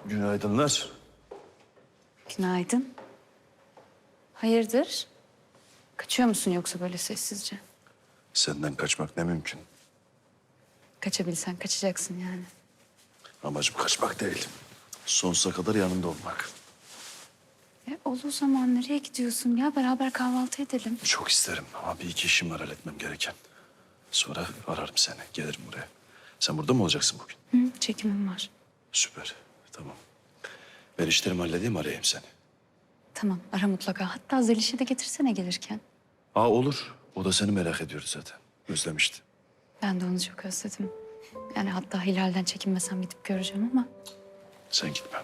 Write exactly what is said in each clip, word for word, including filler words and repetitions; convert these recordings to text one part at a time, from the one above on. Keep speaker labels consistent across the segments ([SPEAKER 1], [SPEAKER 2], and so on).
[SPEAKER 1] Günaydınlar.
[SPEAKER 2] Günaydın. Hayırdır? Kaçıyor musun yoksa böyle sessizce?
[SPEAKER 1] Senden kaçmak ne mümkün.
[SPEAKER 2] Kaçabilsen kaçacaksın yani.
[SPEAKER 1] Amacım kaçmak değil. Sonsuza kadar yanında olmak.
[SPEAKER 2] E, ol o zaman nereye gidiyorsun ya? Beraber kahvaltı edelim.
[SPEAKER 1] Çok isterim ama bir iki işim var halletmem gereken. Sonra ararım seni, gelirim buraya. Sen burada mı olacaksın bugün?
[SPEAKER 2] Hı, çekimim var.
[SPEAKER 1] Süper, tamam. Ben işlerimi halledeyim, arayayım seni.
[SPEAKER 2] Tamam, ara mutlaka. Hatta Zeliş'i de getirsene gelirken.
[SPEAKER 1] Aa olur. O da seni merak ediyordu zaten. Özlemişti.
[SPEAKER 2] Ben de onu çok özledim. Yani hatta Hilal'den çekinmesem gidip göreceğim ama...
[SPEAKER 1] Sen gitme.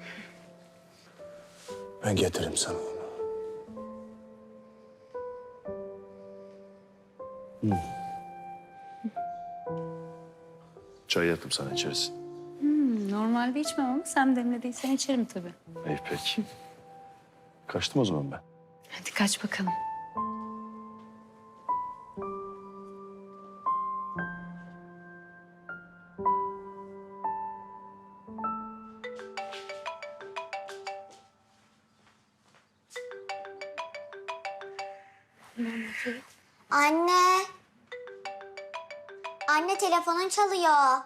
[SPEAKER 1] Ben getiririm sana onu. Hmm. Çay yaptım sana, içersin.
[SPEAKER 2] Hmm, normalde içmem ama sen demlediysen içerim tabii.
[SPEAKER 1] İyi peki. Kaçtım o zaman ben.
[SPEAKER 2] Hadi kaç bakalım.
[SPEAKER 3] Anne. Anne telefonun çalıyor.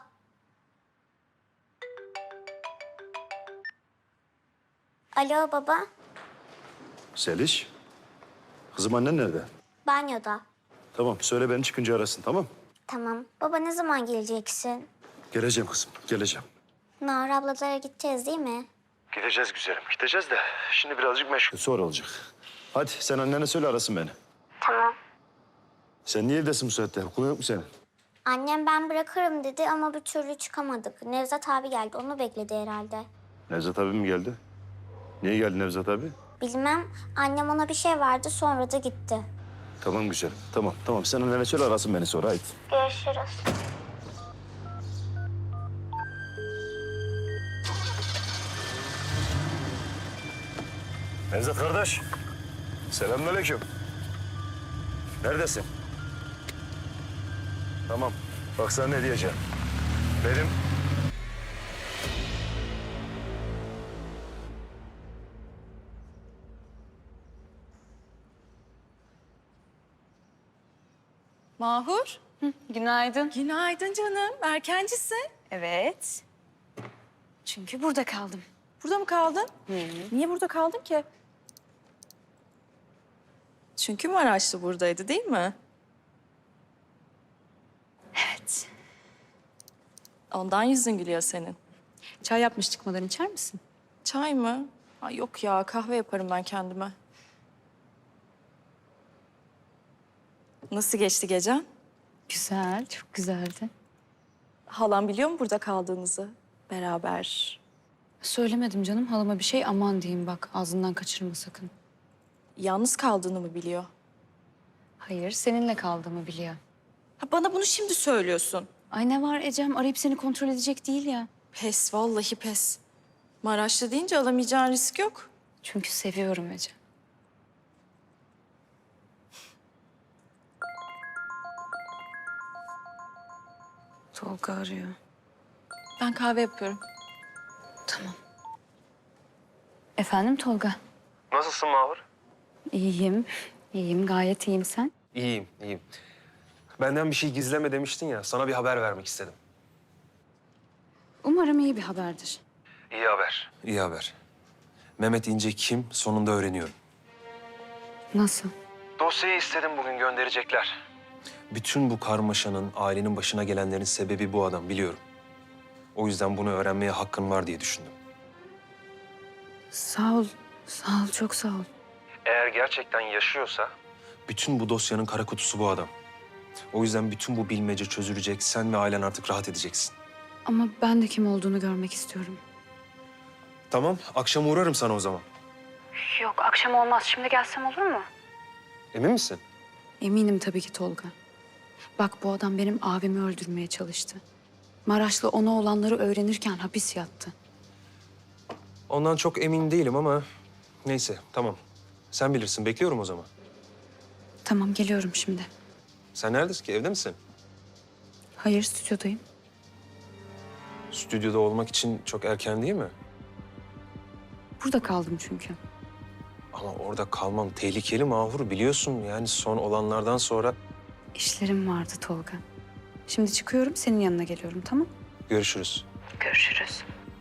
[SPEAKER 3] Alo baba.
[SPEAKER 1] Seliş. Kızım annen nerede?
[SPEAKER 3] Banyoda.
[SPEAKER 1] Tamam söyle beni çıkınca arasın, tamam.
[SPEAKER 3] Tamam. Baba ne zaman geleceksin?
[SPEAKER 1] Geleceğim kızım, geleceğim.
[SPEAKER 3] Nahar ablalara gideceğiz değil mi?
[SPEAKER 1] Gideceğiz güzelim, gideceğiz de şimdi birazcık meşgul. Sonra olacak. Hadi sen annene söyle arasın beni.
[SPEAKER 3] Tamam.
[SPEAKER 1] Sen niye evdesin bu saatte? Okulun yok mu senin?
[SPEAKER 3] Annem ben bırakırım dedi ama bir türlü çıkamadık. Nevzat abi geldi. Onu bekledi herhalde.
[SPEAKER 1] Nevzat abi mi geldi? Niye geldi Nevzat abi?
[SPEAKER 3] Bilmem. Annem ona bir şey verdi sonra da gitti.
[SPEAKER 1] Tamam güzelim, tamam tamam. Sen annene söyle arasın beni sonra, haydi.
[SPEAKER 3] Görüşürüz.
[SPEAKER 1] Nevzat kardeş. Selamünaleyküm. Neredesin? Tamam. Bak sana ne diyeceğim. Benim...
[SPEAKER 4] Mahur.
[SPEAKER 2] Günaydın.
[SPEAKER 4] Günaydın canım. Erkencisin.
[SPEAKER 2] Evet. Çünkü burada kaldım.
[SPEAKER 4] Burada mı kaldın? Niye burada kaldın ki? Çünkü Maraşlı buradaydı değil mi?
[SPEAKER 2] Evet.
[SPEAKER 4] Ondan yüzün gülüyor senin.
[SPEAKER 2] Çay yapmış çıkmadan içer misin?
[SPEAKER 4] Çay mı? Ay yok ya kahve yaparım ben kendime. Nasıl geçti gecen?
[SPEAKER 2] Güzel, çok güzeldi.
[SPEAKER 4] Halam biliyor mu burada kaldığınızı? Beraber.
[SPEAKER 2] Söylemedim canım halama bir şey, aman diyeyim bak ağzından kaçırma sakın.
[SPEAKER 4] Yalnız kaldığını mı biliyor?
[SPEAKER 2] Hayır, seninle kaldığımı biliyor.
[SPEAKER 4] Ha, bana bunu şimdi söylüyorsun.
[SPEAKER 2] Ay ne var Ecem, arayıp seni kontrol edecek değil ya.
[SPEAKER 4] Pes, vallahi pes. Maraşlı deyince alamayacağın risk yok.
[SPEAKER 2] Çünkü seviyorum Ecem. Tolga arıyor.
[SPEAKER 4] Ben kahve yapıyorum.
[SPEAKER 2] Tamam. Efendim Tolga?
[SPEAKER 5] Nasılsın Mahur?
[SPEAKER 2] İyiyim, iyiyim. Gayet iyiyim sen.
[SPEAKER 5] İyiyim, iyiyim. Benden bir şey gizleme demiştin ya, sana bir haber vermek istedim.
[SPEAKER 2] Umarım iyi bir haberdir.
[SPEAKER 5] İyi haber. İyi haber. Mehmet İnce kim, sonunda öğreniyorum.
[SPEAKER 2] Nasıl?
[SPEAKER 5] Dosyayı istedim, bugün gönderecekler. Bütün bu karmaşanın, ailenin başına gelenlerin sebebi bu adam, biliyorum. O yüzden bunu öğrenmeye hakkın var diye düşündüm.
[SPEAKER 2] Sağ ol, sağ ol, çok sağ ol.
[SPEAKER 5] Eğer gerçekten yaşıyorsa... Bütün bu dosyanın kara kutusu bu adam. O yüzden bütün bu bilmece çözülecek, sen ve ailen artık rahat edeceksin.
[SPEAKER 2] Ama ben de kim olduğunu görmek istiyorum.
[SPEAKER 5] Tamam, akşam uğrarım sana o zaman.
[SPEAKER 2] Yok, akşam olmaz. Şimdi gelsem olur mu?
[SPEAKER 5] Emin misin?
[SPEAKER 2] Eminim tabii ki Tolga. Bak bu adam benim abimi öldürmeye çalıştı. Maraşlı ona olanları öğrenirken hapis yattı.
[SPEAKER 5] Ondan çok emin değilim ama neyse, tamam. Sen bilirsin, bekliyorum o zaman.
[SPEAKER 2] Tamam, geliyorum şimdi.
[SPEAKER 5] Sen neredesin ki, evde misin?
[SPEAKER 2] Hayır, stüdyodayım.
[SPEAKER 5] Stüdyoda olmak için çok erken değil mi?
[SPEAKER 2] Burada kaldım çünkü.
[SPEAKER 5] Ama orada kalmam tehlikeli Mahur, biliyorsun. Yani son olanlardan sonra
[SPEAKER 2] İşlerim vardı Tolga. Şimdi çıkıyorum, senin yanına geliyorum, tamam?
[SPEAKER 5] görüşürüz.
[SPEAKER 2] Görüşürüz.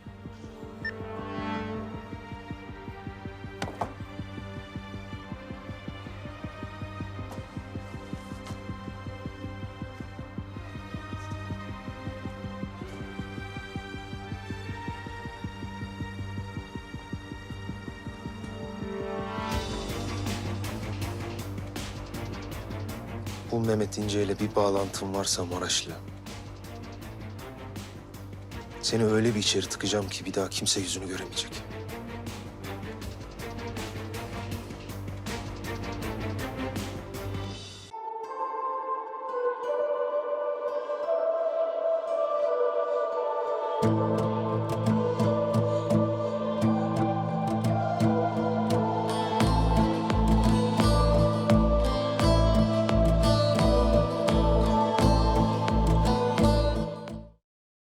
[SPEAKER 5] Bu Mehmet İnce ile bir bağlantın varsa Maraşlı, seni öyle bir içeri tıkacağım ki bir daha kimse yüzünü göremeyecek.